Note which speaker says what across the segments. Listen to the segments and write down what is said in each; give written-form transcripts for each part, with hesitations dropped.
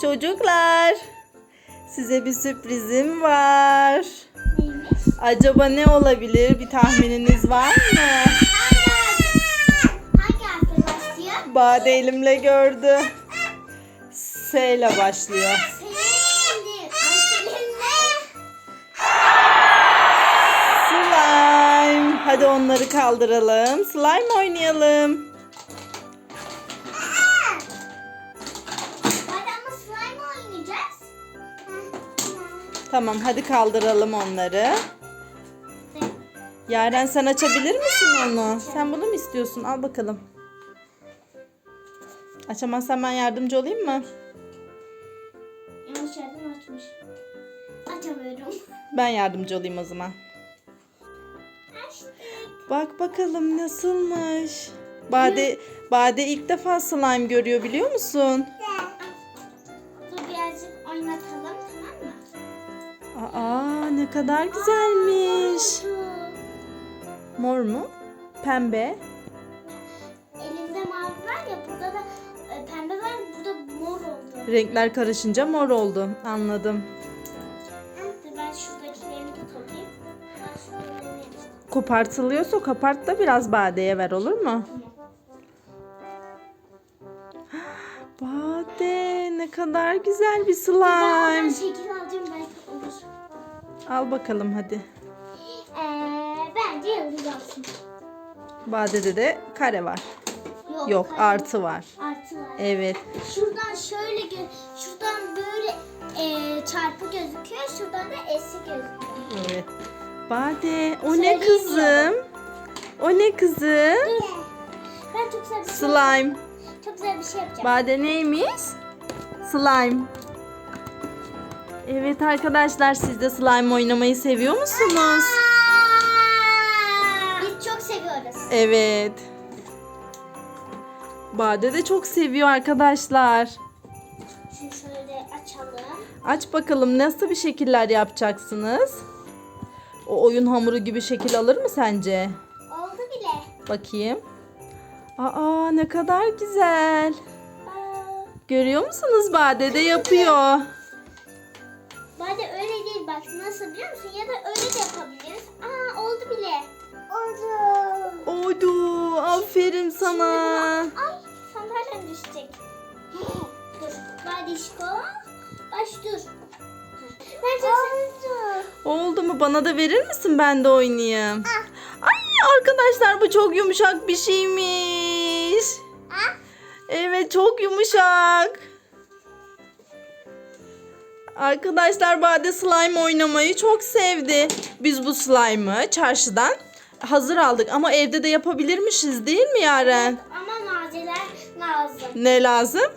Speaker 1: Çocuklar, size bir sürprizim var.
Speaker 2: Neymiş?
Speaker 1: Acaba ne olabilir? Bir tahmininiz var mı?
Speaker 2: Hangi harfle başlıyor?
Speaker 1: Bade elimle gördü. S ile başlıyor.
Speaker 2: Selin'le. Ay Selin'le.
Speaker 1: Slime. Hadi onları kaldıralım. Slime oynayalım.
Speaker 2: Hadi ama slime oynayacağız.
Speaker 1: Tamam, hadi kaldıralım onları. Yaren, sen açabilir misin onu? Sen bunu mu istiyorsun? Al bakalım. Açamazsan ben yardımcı olayım mı?
Speaker 2: Yanlış yerden açmış. Açamıyorum.
Speaker 1: Ben yardımcı olayım o zaman.
Speaker 2: Açtık.
Speaker 1: Bak bakalım nasılmış. Bade ilk defa slime görüyor, biliyor musun?
Speaker 2: Dur birazcık oynatalım, tamam mı?
Speaker 1: Aa, ne kadar güzelmiş. Mor mu? Pembe.
Speaker 2: Elimde mavi var ya, burada da pembe var, burada mor oldu.
Speaker 1: Renkler karışınca mor oldu. Anladım.
Speaker 2: Dur ben şuradakilerini de toplayayım. Ben şuralarını yapayım.
Speaker 1: Kopartılıyorsa kopart da biraz Bade'ye ver, olur mu? Bade, ne kadar güzel bir
Speaker 2: Ben
Speaker 1: slime.
Speaker 2: şekil alacağım, belki olur.
Speaker 1: Al bakalım hadi.
Speaker 2: Bence yıldız olsun.
Speaker 1: Bade'de de kare var. Yok,
Speaker 2: hayır.
Speaker 1: artı var.
Speaker 2: Artı var.
Speaker 1: Evet.
Speaker 2: Şuradan şöyle şuradan böyle çarpı gözüküyor. Şuradan da eksi gözüküyor.
Speaker 1: Evet. Bade, o ne
Speaker 2: Söyleyeyim
Speaker 1: kızım? O ne kızım?
Speaker 2: Dur. Ben çok güzel bir şey,
Speaker 1: Slime.
Speaker 2: çok güzel bir şey yapacağım.
Speaker 1: Bade neymiş? Slime. Evet arkadaşlar, siz de slime oynamayı seviyor musunuz?
Speaker 2: Biz çok seviyoruz.
Speaker 1: Evet. Bade de çok seviyor arkadaşlar.
Speaker 2: Şunu şöyle açalım.
Speaker 1: Aç bakalım, nasıl bir şekiller yapacaksınız? O oyun hamuru gibi şekil alır mı sence?
Speaker 2: Oldu bile.
Speaker 1: Bakayım. Aa, ne kadar güzel. Görüyor musunuz? Bade de yapıyor.
Speaker 2: Bence öyle değil, bak nasıl biliyor musun? Ya da öyle de yapabiliriz. Oldu bile. Oldu.
Speaker 1: Oldu. Aferin sana.
Speaker 2: Ay sandalyem düşecek. Dur. Badişko. Baş dur. Ben çok
Speaker 1: Oldu mu? Bana da verir misin? Ben de oynayayım. Ay arkadaşlar, bu çok yumuşak bir şeymiş. Evet, çok yumuşak. Arkadaşlar, Bade slime oynamayı çok sevdi. Biz bu slime'ı çarşıdan hazır aldık ama evde de yapabilirmişiz, değil mi Yaren?
Speaker 2: Ama malzemeler lazım.
Speaker 1: Ne lazım?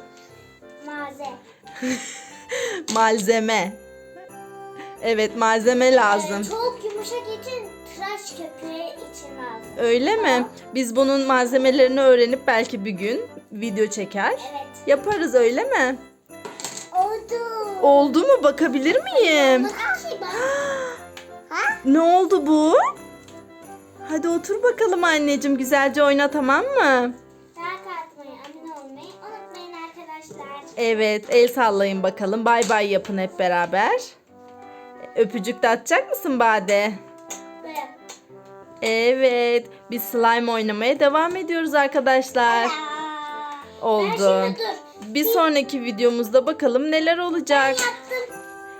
Speaker 1: Malzeme. Evet, malzeme lazım.
Speaker 2: Çok yumuşak için tıraş köpüğü için lazım.
Speaker 1: Öyle mi? Biz bunun malzemelerini öğrenip belki bir gün video çeker.
Speaker 2: Evet.
Speaker 1: Yaparız, öyle mi?
Speaker 2: Oldu.
Speaker 1: Oldu mu? Bakabilir miyim?
Speaker 2: Bakayım bak.
Speaker 1: Ne oldu bu? Hadi otur bakalım anneciğim. Güzelce oyna, tamam mı?
Speaker 2: Like atmayı, abone olmayı unutmayın arkadaşlar.
Speaker 1: Evet, el sallayın bakalım. Bay bay yapın hep beraber. Öpücük de atacak mısın Bade?
Speaker 2: Böyle.
Speaker 1: Evet, biz slime oynamaya devam ediyoruz arkadaşlar.
Speaker 2: Ben
Speaker 1: Oldu.
Speaker 2: şimdi dur.
Speaker 1: Bir sonraki videomuzda bakalım neler olacak.
Speaker 2: Yaptım.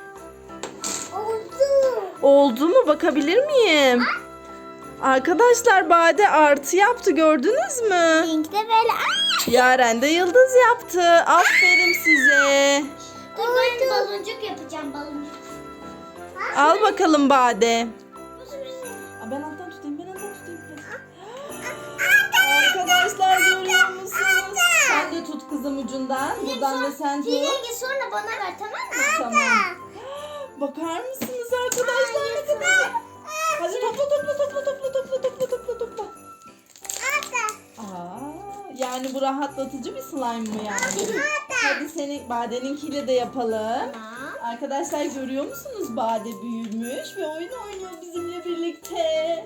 Speaker 2: Oldu.
Speaker 1: Oldu mu? Bakabilir miyim? Arkadaşlar, Bade artı yaptı, gördünüz mü?
Speaker 2: Linkte böyle.
Speaker 1: Yaren de yıldız yaptı. Aferin size.
Speaker 2: Dur ben baloncuk yapacağım, baloncuk.
Speaker 1: Al bakalım Bade.
Speaker 2: Bu sürpriz.
Speaker 1: Ben alttan tutayım. Arkadaşlar, görüyor musunuz? Sen de tut kızım ucundan. Buradan da sen tut.
Speaker 2: Rengi sonra bana ver, tamam mı?
Speaker 1: Tamam. Bakar mısınız arkadaşlar, ne kadar? Hadi topla. Yani bu rahatlatıcı bir slime mı yani? Hadi seni Bade'ninkiyle de yapalım.
Speaker 2: Tamam.
Speaker 1: Arkadaşlar, görüyor musunuz? Bade büyümüş ve oyun oynuyor bizimle birlikte.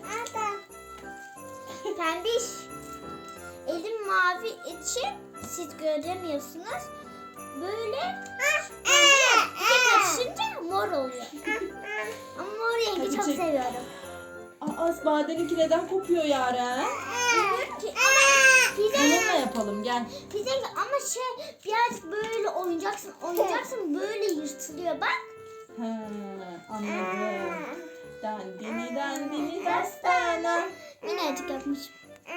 Speaker 2: Pembiş. Elim mavi için siz göremiyorsunuz. böyle bir karışınca mor oluyor. Ama mor rengi
Speaker 1: Hadi
Speaker 2: çok
Speaker 1: çek.
Speaker 2: seviyorum.
Speaker 1: Aa, Bade'ninki neden kopuyor Yaren?
Speaker 2: Bilmiyorum ki ama
Speaker 1: Bununla yapalım gel.
Speaker 2: pizza ama birazcık böyle oynayacaksın böyle yırtılıyor bak.
Speaker 1: He, anladım. Dandini dandini dastana.
Speaker 2: Minnacık yapmışım.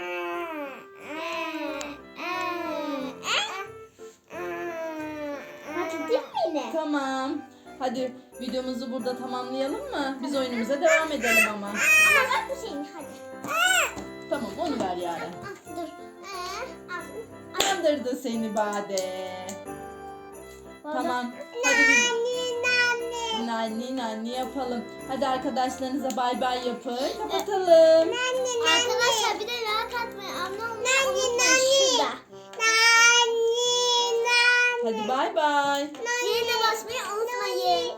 Speaker 2: Hadi değil mi yine?
Speaker 1: Tamam. Hadi videomuzu burada tamamlayalım mı? Biz oyunumuza devam edelim ama.
Speaker 2: Ama bak bu şeyin hadi.
Speaker 1: Tamam onu ver Yaren.
Speaker 2: Ah, dur. Al.
Speaker 1: Kandırdı seni Bade. Tamam. Hadi biz nanni yapalım. Hadi arkadaşlarınıza bay bay yapın. Kapatalım.
Speaker 2: Arkadaşlar bir de like atmayı, abone olmayı unutmayın şurada.
Speaker 1: Hadi bay bay.
Speaker 2: Zilini basmayı unutmayın.